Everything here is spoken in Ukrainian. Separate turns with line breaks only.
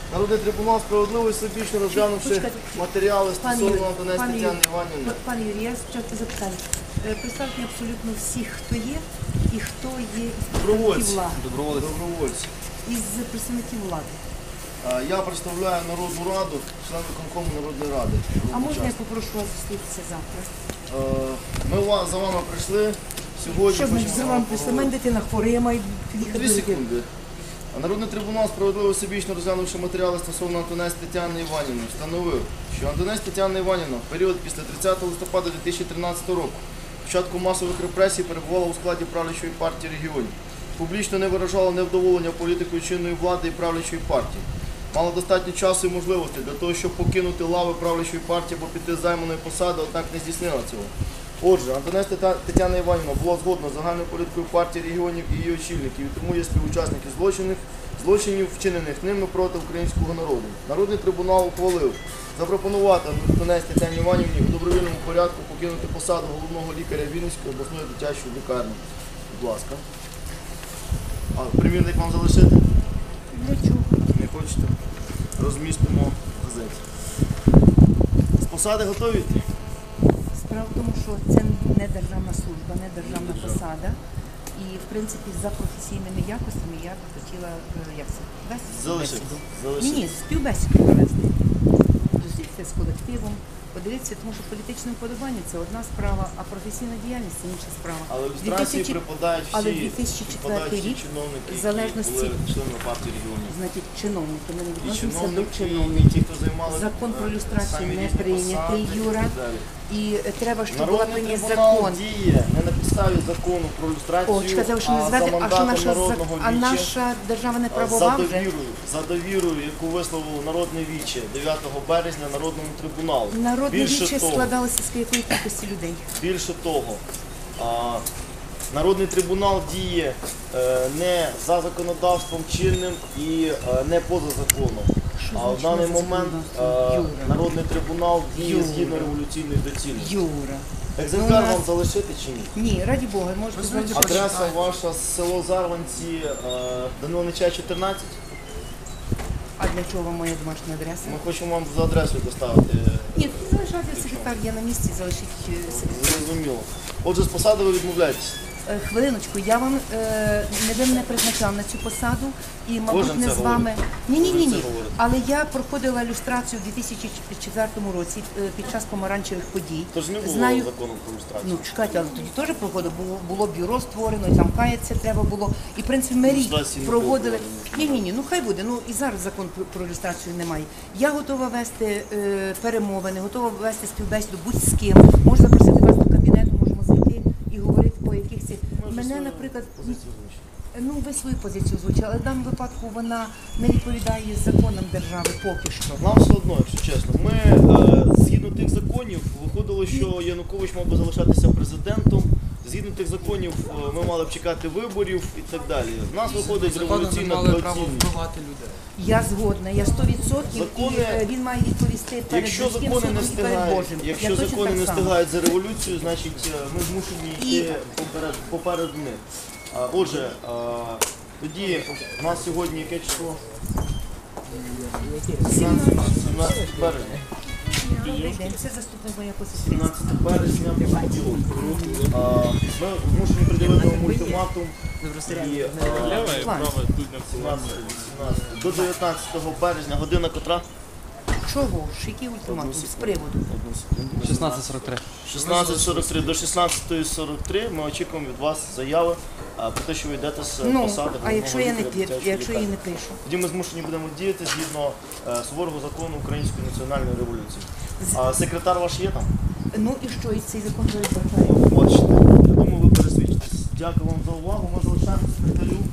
Народний трибунал справедливо і всебічно розглянувши матеріали стосовно Антонець Тетяни Іванівни.
Пане Юрій, я спочатку запитаю. Представте абсолютно всіх, хто є і хто є із представників влади.
Добровольці.
Із представників влади.
Я представляю Народну Раду, член виконкому Народної Ради.
А можна я попрошу вас зустрітися завтра?
Ми за вами прийшли сьогодні.
Що значить за вами прийшли? У мене дитина хвора, я маю їхати.
2 секунди. Народний трибунал справедливо всебічно розглянувши матеріали стосовно Антонець Тетяни Іванівни, встановив, що Антонець Тетяна Іванівна в період після 30 листопада 2013 року, початку масових репресій, перебувала у складі правлячої партії регіонів, публічно не виражала невдоволення політикою чинної влади і правлячої партії. Мала достатньо часу і можливостей для того, щоб покинути лави правлячої партії або піти з займаної посади, однак не здійснила цього. Отже, Антонець Тетяна Іванівна була згодна з загальною політикою партії регіонів і її очільників, і тому є співучасники злочинів, вчинених ними проти українського народу. Народний трибунал ухвалив запропонувати Антонець Тетяні Іванівні у добровільному порядку покинути посаду головного лікаря Вінницької обласної дитячої лікарні. Будь ласка. Примірник вам залишити?
Для чого?
Не хочете? Розмістимо в газеті. З посади готові?
Справа в тому, що це не державна служба, не державна посада. І, в принципі, за професійними якостями я б хотіла, як це, вести
Залишити.
Ні, співбесіду провести. Зустрітися з колективом, подивитися, тому що політичне вподобання – це одна справа, а професійна діяльність – це інша справа.
Але ілюстрації припадають
Але
всі
2004 рік,
чиновники,
в залежності,
які були членами партії регіонів.
значить, чиновники, ми не
І
відносимося до
чиновники, і
чиновників.
ті, хто займали
Закон про люстрацію
самі
не
різні
прийнятий,
посади
Юра.
і так далі.
І треба, щоб була
Народний
прийнят
трибунал
закон.
діє не на підставі закону про люстрацію,
О, чекайте, що не
а за
звати,
мандатом народного
а
віче,
наша держава не правова вже?
за довірою, яку висловив народне віче 9 березня Народному трибуналу.
Народне
Більше
віче
того,
складалося з якої кількості людей?
Більше того, Народний трибунал діє не за законодавством чинним і не поза законом. А в даний момент Народний трибунал діє згідно революційної доцільності.
Юра.
Екземпляр вам залишити чи ні?
Ні, раді Бога, можете залишити.
Адреса ваша село Зарванці, Данила Нечая, 14.
А для чого моя домашня адреса?
Ми хочемо вам за адресою доставити.
Ні, залишайте секретар, я на місці, залишіть секретар.
Зрозуміло. Отже, з посади ви відмовляєтесь.
Хвилиночку, я вам ви мене призначав на цю посаду і, мабуть,
Кожен
не
це
з вами.
говорить.
Ні.
Кожен це говорить.
Але я проходила люстрацію у 2004 році під час помаранчевих подій.
Тож не було
Знаю.
закону про люстрацію.
Ну, чекайте, але тоді теж проходило, було бюро створено, і там каятися треба було. І, в принципі, ми рік
Люстрації не
проводили.
було.
Ні, ну хай буде. Ну і зараз закон про люстрацію немає. Я готова вести перемовини, готова вести співбесіду будь з ким. Можу запросити вас до кабінету, можемо зайти і говорити по якихось. Мене, наприклад, ну ви свою позицію озвучили, але в даному випадку вона не відповідає законам держави поки що.
Нам все одно, якщо чесно. Ми, згідно тих законів, виходило, що Янукович мав би залишатися президентом. Згідно тих законів, ми мали б чекати виборів і так далі. В нас виходить революційна доцільність.
Я згодна, я 100%,
Закони-
і він має відповісти перед
Якщо
людським
закони
судом
не
і перед
встигають,
Божим.
якщо
Я точно
закони
так
не
само.
встигають за революцію, значить ми змушені йти поперед них. Отже, тоді у нас сьогодні яке число? 17 березня.
Добрий день, це заступник моя посестрі.
17 березня понеділок. Ми змушені приділити вам ультиматум і, до 19 березня, година котра?
Чого ж? Який ультиматум? З приводу?
16:43.
16:43 до 16:43 ми очікуємо від вас заяви про те, що ви йдете з посади
Ну,
головного
а якщо я не
лікаря дитячої
якщо я
лікарні.
не пишу?
Тоді ми змушені будемо діяти згідно суворого закону Української національної революції. Секретар ваш є там?
Ну і що, і цей закон передбачає?
Бачите, я думаю, ви пересвідчитесь. Дякую вам за увагу. Ми залишаємо секретарю